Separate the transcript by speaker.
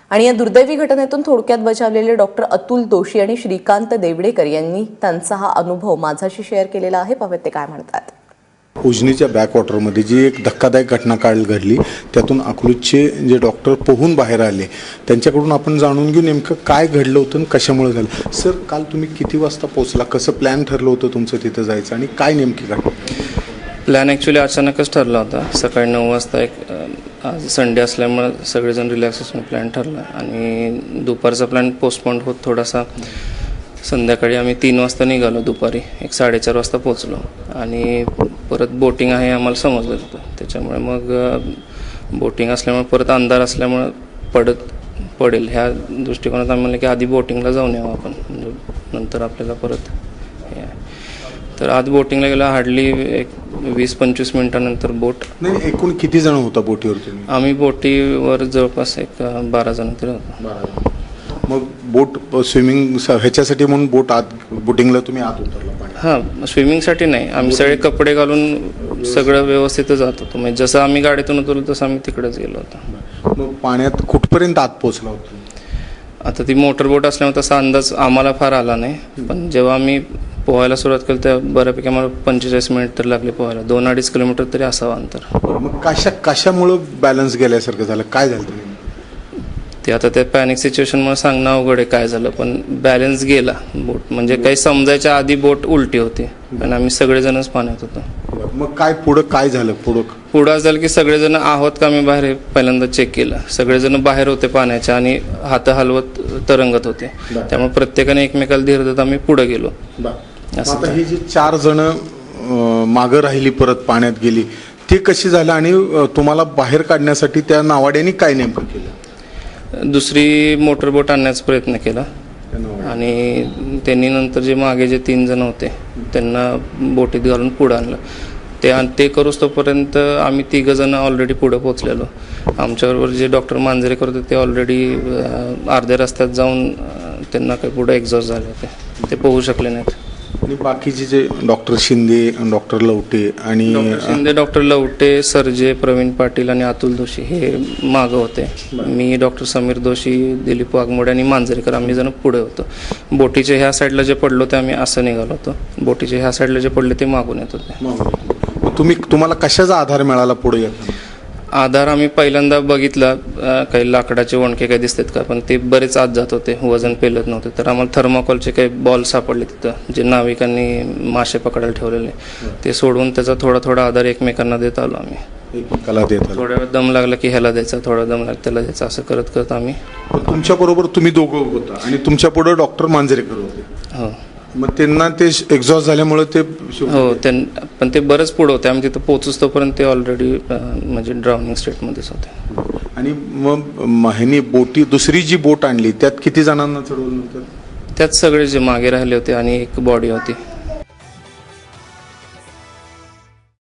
Speaker 1: आणि या दुर्दैवी घटनेतून थोडक्यात बचावलेले डॉक्टर अतुल दोशी आणि श्रीकांत देवडेकर यांनी त्यांचा हा अनुभव माझ्याशी शेअर केलेला आहे. पाहूयात ते काय म्हणतात.
Speaker 2: उजनीच्या बॅकवॉटरमध्ये जी एक धक्कादायक घटना काल घडली, त्यातून अकलूजचे जे डॉक्टर पोहून बाहेर आले, त्यांच्याकडून आपण जाणून घेऊ नेमकं काय घडलं होतं आणि कशामुळे झालं. सर, काल तुम्ही किती वाजता पोहोचला, कसं प्लॅन ठरलं होतं तुमचं तिथं जायचं आणि काय नेमकी घटना?
Speaker 3: प्लॅन ॲक्च्युली अचानकच ठरला होता. सकाळी 9 वाजता आज संडे असल्यामुळे सगळेजण रिलॅक्स असून प्लॅन ठरला आणि दुपारचा प्लॅन पोस्टपोन होत थोडासा. संध्याकाळी आम्ही 3 वाजता निघालो, दुपारी 1-4:30 वाजता पोचलो आणि परत बोटिंग आहे आम्हाला समजलं होतं. त्याच्यामुळे मग बोटिंग असल्यामुळे परत अंधार असल्यामुळे पडेल ह्या दृष्टिकोनात आम्ही म्हणलं की आधी बोटिंगला जाऊन यावं आपण, म्हणजे नंतर आपल्याला परत हे आहे. तर आज बोटिंगला गेला हार्डली एक 20-25 मिनिटानंतर बोट.
Speaker 2: नाही, एकूण किती जण होता बोटीवर तुम्ही?
Speaker 3: आम्ही बोटीवर जवळपास एक 12 जण तरी होतो.
Speaker 2: मग बोट स्विमिंग ह्याच्यासाठी म्हणून बोटिंगला तुम्ही आत उतरला?
Speaker 3: हां, स्विमिंगसाठी नाही, आम्ही सगळे कपडे घालून सगळं व्यवस्थित जात होतो. म्हणजे जसं आम्ही गाडीतून उतरलो तसं आम्ही तिकडेच गेलो होतो.
Speaker 2: मग पाण्यात कुठपर्यंत आत पोहोचला होता?
Speaker 3: आता ती मोटरबोट असल्यामुळे तसा अंदाज आम्हाला फार आला नाही, पण जेव्हा आम्ही पोहायला सुरुवात केली तेव्हा बऱ्यापैकी आम्हाला 45 मिनिट तर लागले पोहायला. 2-2.5 किलोमीटर तरी असावं अंतर.
Speaker 2: मग कशामुळं बॅलन्स गेल्यासारखं झालं, काय झालं तुम्ही?
Speaker 3: ते आता त्या पॅनिक सिच्युएशनमुळे सांगणं अवघड आहे काय झालं, पण बॅलन्स गेला बोट. म्हणजे काही समजायच्या आधी बोट उलटी होती, पण आम्ही सगळेजणच पाण्यात होतो.
Speaker 2: मग काय काय झालं
Speaker 3: पुढं असं झालं की सगळेजण आहोत का आम्ही बाहेर पहिल्यांदा चेक केलं. सगळेजण बाहेर होते पाण्याच्या आणि हात हलवत तरंगत होते. त्यामुळे प्रत्येकाने एकमेकाला धीर देत आम्ही पुढे गेलो.
Speaker 2: आता ही जी 4 जण मागं राहिली, परत पाण्यात गेली, ती कशी झालं आणि तुम्हाला बाहेर काढण्यासाठी त्या नावाड्याने काय नेमकं केलं?
Speaker 3: दुसरी मोटरबोट आणण्याचा प्रयत्न केला आणि त्यांनी नंतर जे मागे जे 3 जण होते त्यांना बोटीत घालून पुढं आणलं. ते करूच तोपर्यंत आम्ही 3 जण ऑलरेडी पुढं पोचलेलो. आमच्याबरोबर जे डॉक्टर मांजरेकर होते ते ऑलरेडी अर्ध्या रस्त्यात जाऊन त्यांना काही पुढं एक्झॉस्ट झाले होते, ते पोहू शकले नाहीत.
Speaker 2: आणि बाकीचे जे डॉक्टर शिंदे, डॉक्टर लवटे आणि
Speaker 3: डॉक्टर लवटे, सरजे, प्रवीण पाटील आणि अतुल दोशी हे मागं होते. मी, डॉक्टर समीर दोशी, दिलीप वाघमोडे आणि मांजरेकर आम्ही जण पुढे होतो. बोटीचे ह्या साईडला जे पडलो ते आम्ही असं निघालो होतो. बोटीचे ह्या साईडला जे पडले ते मागून येत होते.
Speaker 2: तुम्हाला कशाचा आधार मिळाला पुढे येताना?
Speaker 3: आधार आम्ही पहिल्यांदा बघितला, काही लाकडाचे वणके काही दिसतात का, पण ते बरेच आत जात होते, वजन पेलत नव्हते. तर आम्हाला थर्माकोलचे काही बॉल सापडले तिथं, जे नाविकांनी मासे पकडायला ठेवलेले. ते सोडून त्याचा थोडा आधार एकमेकांना देत आलो आम्ही. थोड्या वेळ दम लागला की ह्याला द्यायचा, थोडा दम लागला त्याला द्यायचा, असं करत करत आम्ही.
Speaker 2: तुमच्या बरोबर तुम्ही दोघं होता आणि तुमच्या पुढे डॉक्टर मांजरेकर होते?
Speaker 3: हो.
Speaker 2: मग त्यांना ते एक्झॉस्ट झाल्यामुळे ते
Speaker 3: हो, पण ते बरंच पुढं होते. आम्ही तिथं पोहोचूच तोपर्यंत ते ऑलरेडी म्हणजे ड्राउनिंग स्टेटमध्येच होते.
Speaker 2: आणि मग ह्यांनी दुसरी जी बोट आणली त्यात किती जणांना चढवलं होतं?
Speaker 3: त्यात सगळे जे मागे राहिले होते आणि एक बॉडी होती